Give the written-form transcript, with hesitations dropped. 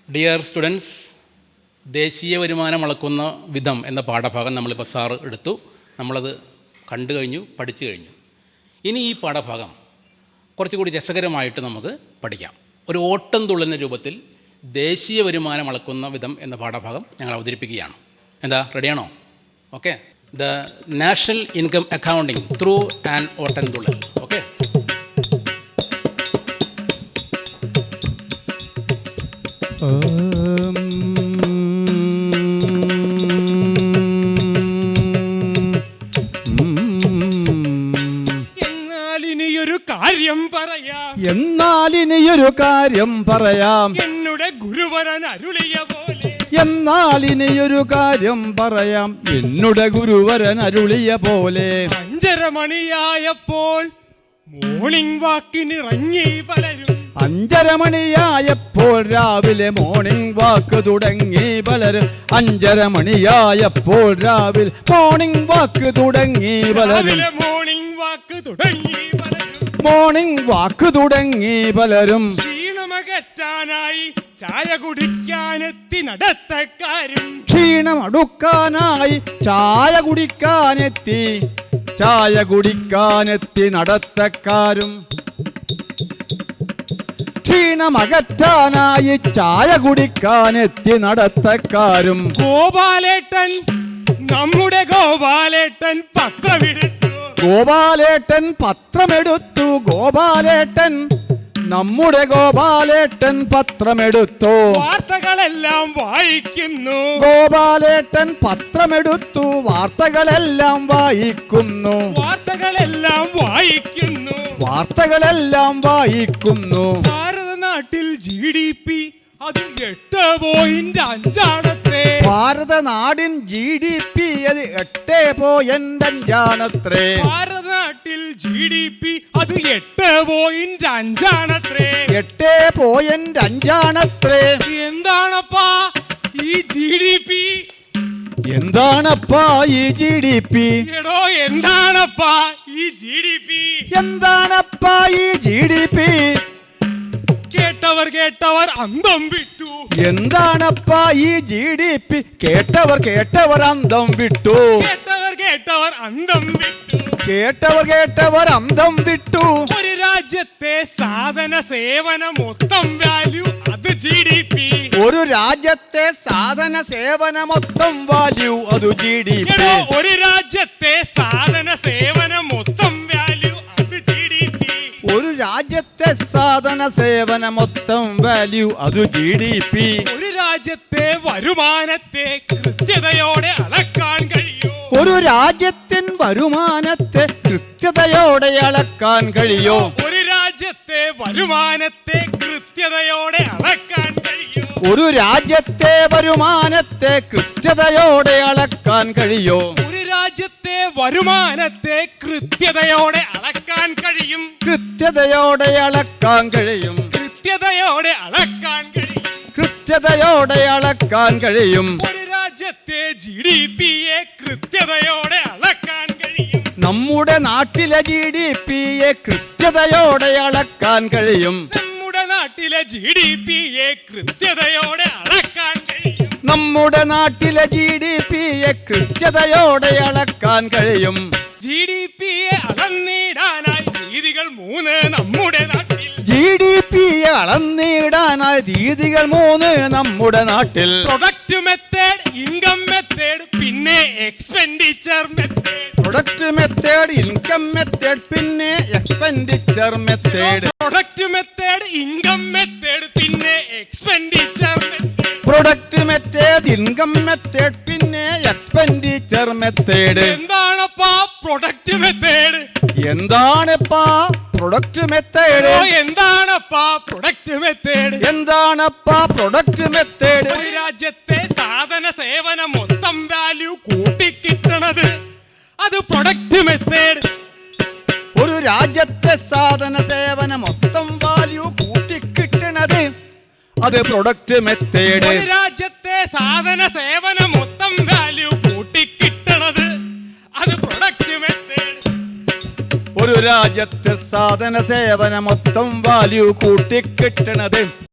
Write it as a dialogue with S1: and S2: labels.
S1: Dear students, ദേശീയ വരുമാനം അളക്കുന്ന വിധം എന്ന പാഠഭാഗം നമ്മളിപ്പോൾ സാറ് എടുത്തു. നമ്മളത് കണ്ടു കഴിഞ്ഞു, പഠിച്ചു കഴിഞ്ഞു. ഇനി ഈ പാഠഭാഗം കുറച്ചുകൂടി രസകരമായിട്ട് നമുക്ക് പഠിക്കാം. ഒരു ഓട്ടം തുള്ളുന്ന രൂപത്തിൽ ദേശീയ വരുമാനം അളക്കുന്ന വിധം എന്ന പാഠഭാഗം ഞങ്ങൾ അവതരിപ്പിക്കുകയാണ്. എന്താ, റെഡിയാണോ? Okay. The national income accounting through an Ottam Thullal. Okay.
S2: എന്നാലിനിയൊരു കാര്യം പറയാം
S3: എന്നുടെ ഗുരുവരൻ അരുളിയ പോലെ.
S2: എന്നാലിനിയൊരു കാര്യം പറയാം എന്നുടെ ഗുരുവരൻ അരുളിയ പോലെ.
S3: 5:30 മണിയായപ്പോൾ മോർണിംഗ് വാക്കിനിറങ്ങി പലരും.
S2: 5:30 മണിയായപ്പോൾ രാവിലെ മോർണിംഗ് വാക്ക് തുടങ്ങി പലരും. 5:30 മണിയായപ്പോൾ രാവിലെ മോർണിംഗ് വാക്ക് തുടങ്ങി പലരും.
S3: മോർണിംഗ് വാക്ക് തുടങ്ങി പലരും.
S2: മോർണിംഗ് വാക്ക് തുടങ്ങി പലരും.
S3: ക്ഷീണമകറ്റാനായി ചായ കുടിക്കാനെത്തി നടത്തക്കാരും.
S2: ക്ഷീണമടുക്കാനായി ചായ കുടിക്കാനെത്തി നടത്തക്കാരും. ക്ഷീണമകറ്റാനായി ചായ കുടിക്കാനെത്തി നടത്തക്കാരും.
S3: ഗോപാലേട്ടൻ, നമ്മുടെ ഗോപാലേട്ടൻ പത്രമെടുത്തു.
S2: ഗോപാലേട്ടൻ പത്രമെടുത്തു. ഗോപാലേട്ടൻ, നമ്മുടെ ഗോപാലേട്ടൻ പത്രമെടുത്തു.
S3: വാർത്തകളെല്ലാം വായിക്കുന്നു.
S2: ഗോപാലേട്ടൻ പത്രമെടുത്തു. വാർത്തകളെല്ലാം വായിക്കുന്നു.
S3: വാർത്തകളെല്ലാം വായിക്കുന്നു.
S2: വാർത്തകളെല്ലാം വായിക്കുന്നു.
S3: ഭാരതനാട്ടിൽ GDP അത് 8.5
S2: ഭാരതനാടിൻ GDP അത് 8.5.
S3: ഭാരതനാട്ടിൽ GDP അത് 8.5.
S2: 8.5.
S3: എന്താണപ്പാ ഈ GDP?
S2: എന്താണപ്പാ ഈ GDP?
S3: എടോ, എന്താണപ്പാ ഈ GDP?
S2: എന്താണപ്പാ ഈ GDP?
S3: കേട്ടവർ അന്തം വിട്ടു.
S2: എന്താണപ്പാ ഈ GDP? കേട്ടവർ അന്തം വിട്ടു.
S3: കേട്ടവർ അന്തം വിട്ടു.
S2: കേട്ടവർ അന്തം വിട്ടു.
S3: ഒരു രാജ്യത്തെ സാധന സേവന മൊത്തം വാല്യൂ അത് GDP.
S2: ഒരു രാജ്യത്തെ സാധന സേവന മൊത്തം വാല്യൂ അത് GDP.
S3: ഒരു രാജ്യത്തെ സാധന സേവന മൊത്തം വാല്യൂ അത് GDP.
S2: ഒരു രാജ്യത്തെ സാധന സേവന മൊത്തം വാല്യൂ അത് GDP.
S3: ഒരു രാജ്യത്തെ വരുമാനത്തെ കൃത്യതയോടെ അളക്കാൻ കഴിയോ?
S2: ഒരു രാജ്യത്തിൻ വരുമാനത്തെ കൃത്യതയോടെ അളക്കാൻ കഴിയോ?
S3: ഒരു രാജ്യത്തെ വരുമാനത്തെ കൃത്യതയോടെ അളക്കാൻ കഴിയോ?
S2: ഒരു രാജ്യത്തെ വരുമാനത്തെ കൃത്യതയോടെ അളക്കാൻ കഴിയോ?
S3: ഒരു രാജ്യത്തെ വരുമാനത്തെ കൃത്യതയോടെ അളക്കാൻ കഴിയും.
S2: കൃത്യതയോടെ അളക്കാൻ കഴിയും.
S3: കൃത്യതയോടെ അളക്കാൻ കഴിയും.
S2: കൃത്യതയോടെ അളക്കാൻ കഴിയും.
S3: ഒരു രാജ്യത്തെ GDPയെ കൃത്യതയോടെ അളക്കാൻ കഴിയും.
S2: നമ്മുടെ നാട്ടിലെ GDPയെ കൃത്യതയോടെ അളക്കാൻ കഴിയും.
S3: നമ്മുടെ നാട്ടിലെ GDPയെ കൃത്യതയോടെ അളക്കാൻ കഴിയും.
S2: നമ്മുടെ നാട്ടിലെ GDPയെ കൃത്യതയോടെ അളക്കാൻ കഴിയും.
S3: GDPയെ അളന്നിടാനായി രീതികൾ 3 നമ്മുടെ നാട്ടിൽ.
S2: GDPയെ അളന്നിടാനായി രീതികൾ 3 നമ്മുടെ നാട്ടിൽ.
S3: പ്രൊഡക്റ്റ് മെത്തേഡ്, ഇൻകം മെത്തേഡ്, പിന്നെ expenditure method.
S2: Product method, income method, പിന്നെ expenditure method.
S3: Product method, income method, പിന്നെ expenditure method.
S2: Product method, income method, പിന്നെ എക്സ്പെൻഡിച്ചർ മെത്തേഡ്.
S3: എന്താണപ്പാ പ്രൊഡക്റ്റ് മെത്തേഡ്?
S2: എന്താണപ്പാ പ്രൊഡക്റ്റ് മെത്തേഡ്?
S3: എന്താണപ്പാ പ്രൊഡക്റ്റ് മെത്തേഡ്?
S2: എന്താണപ്പാ പ്രൊഡക്റ്റ് മെത്തേഡ്?
S3: ഒരു രാജ്യത്തെ സാധന സേവന മൊത്തം വാല്യൂ കൂട്ടിക്കിട്ടണത് അത് പ്രൊഡക്റ്റ് മെത്തേഡ്.
S2: ഒരു രാജ്യത്തെ സാധന സേവന മൊത്തം വാല്യൂ കൂട്ടിക്കിട്ടണത് അത് പ്രൊഡക്റ്റ് മെത്തേഡ്.
S3: ഒരു രാജ്യത്തെ സാധന സേവന മൊത്തം വാല്യൂ കൂട്ടിക്കിട്ടണത് അത് പ്രൊഡക്റ്റ് മെത്തേഡ്.
S2: ഒരു രാജ്യത്തെ സാധന സേവന മൊത്തം വാല്യൂ കൂട്ടിക്കിട്ടണത്